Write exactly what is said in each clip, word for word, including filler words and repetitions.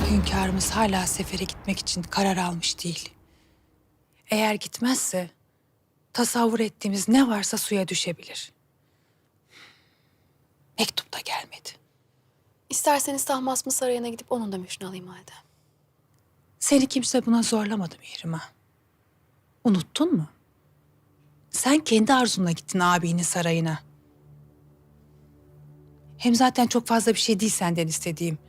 Hünkârımız hala sefere gitmek için karar almış değil. Eğer gitmezse tasavvur ettiğimiz ne varsa suya düşebilir. Mektup da gelmedi. İsterseniz Tahmasp Sarayı'na gidip onun da mührünü alayım halde. Seni kimse buna zorlamadı Mihrimah. Unuttun mu? Sen kendi arzunla gittin abinin sarayına. Hem zaten çok fazla bir şey değil senden istediğim.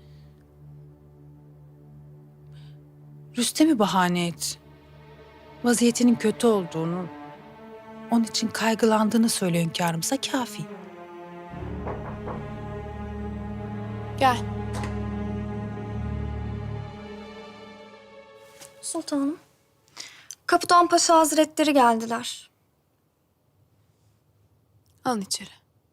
Rüstem'i bahane et. Vaziyetinin kötü olduğunu, onun için kaygılandığını söyle hünkârımıza kafi. Gel. Sultanım, Kapıdan Paşa Hazretleri geldiler. Alın içeri.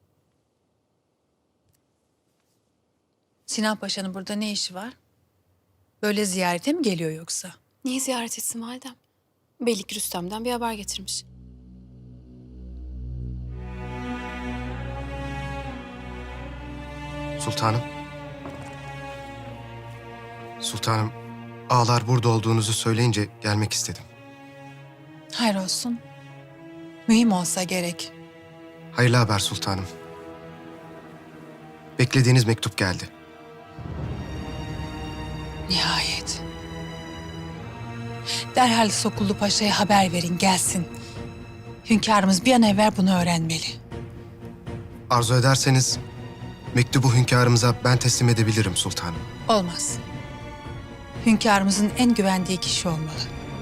Sinan Paşa'nın burada ne işi var? Böyle ziyarete mi geliyor yoksa? Niye ziyaret etsin validem? Belli ki Rüstem'den bir haber getirmiş. Sultanım. Sultanım, ağalar burada olduğunuzu söyleyince gelmek istedim. Hayır olsun. Mühim olsa gerek. Hayırlı haber sultanım. Beklediğiniz mektup geldi. Nihayet. Derhal Sokullu Paşa'ya haber verin, gelsin. Hünkârımız bir an evvel bunu öğrenmeli. Arzu ederseniz mektubu hünkârımıza ben teslim edebilirim sultanım. Olmaz. Hünkârımızın en güvendiği kişi olmalı.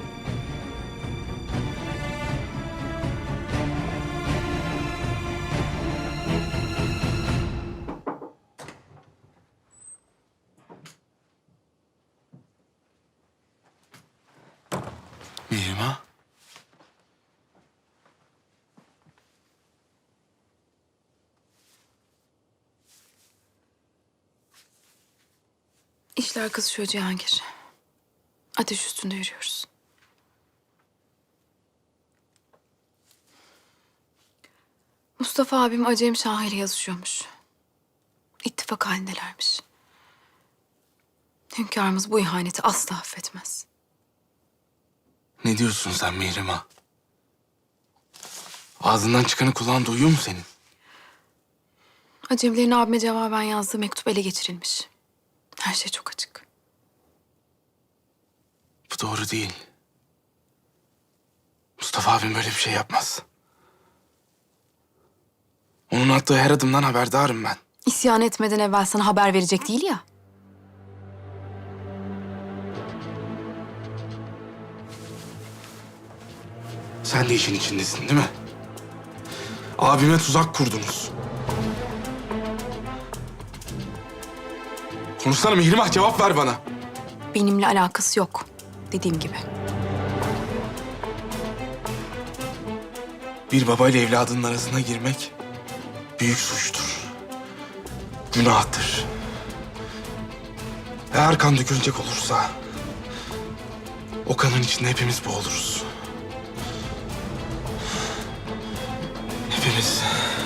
Mihrimah. İşler kızışıyor Cihangir. Ateş üstünde yürüyoruz. Mustafa abim Acem Şahı ile yazışıyormuş. İttifak halindelermiş. Hünkârımız bu ihaneti asla affetmez. Ne diyorsun sen Mihrimah? Ağzından çıkanı kulağın duyuyor mu senin? Acemlerin abime cevaben yazdığı mektup ele geçirilmiş. Her şey çok açık. Bu doğru değil. Mustafa abim böyle bir şey yapmaz. Onun attığı her adımdan haberdarım ben. İsyan etmeden evvel sana haber verecek değil ya. Sen de işin içindesin değil mi? Abime tuzak kurdunuz. Konuşsana Mihrimah, cevap ver bana. Benimle alakası yok. Dediğim gibi. Bir babayla evladının arasına girmek büyük suçtur. Günahtır. Eğer kan dökülecek olursa o kanın içinde hepimiz boğuluruz. Hepimiz.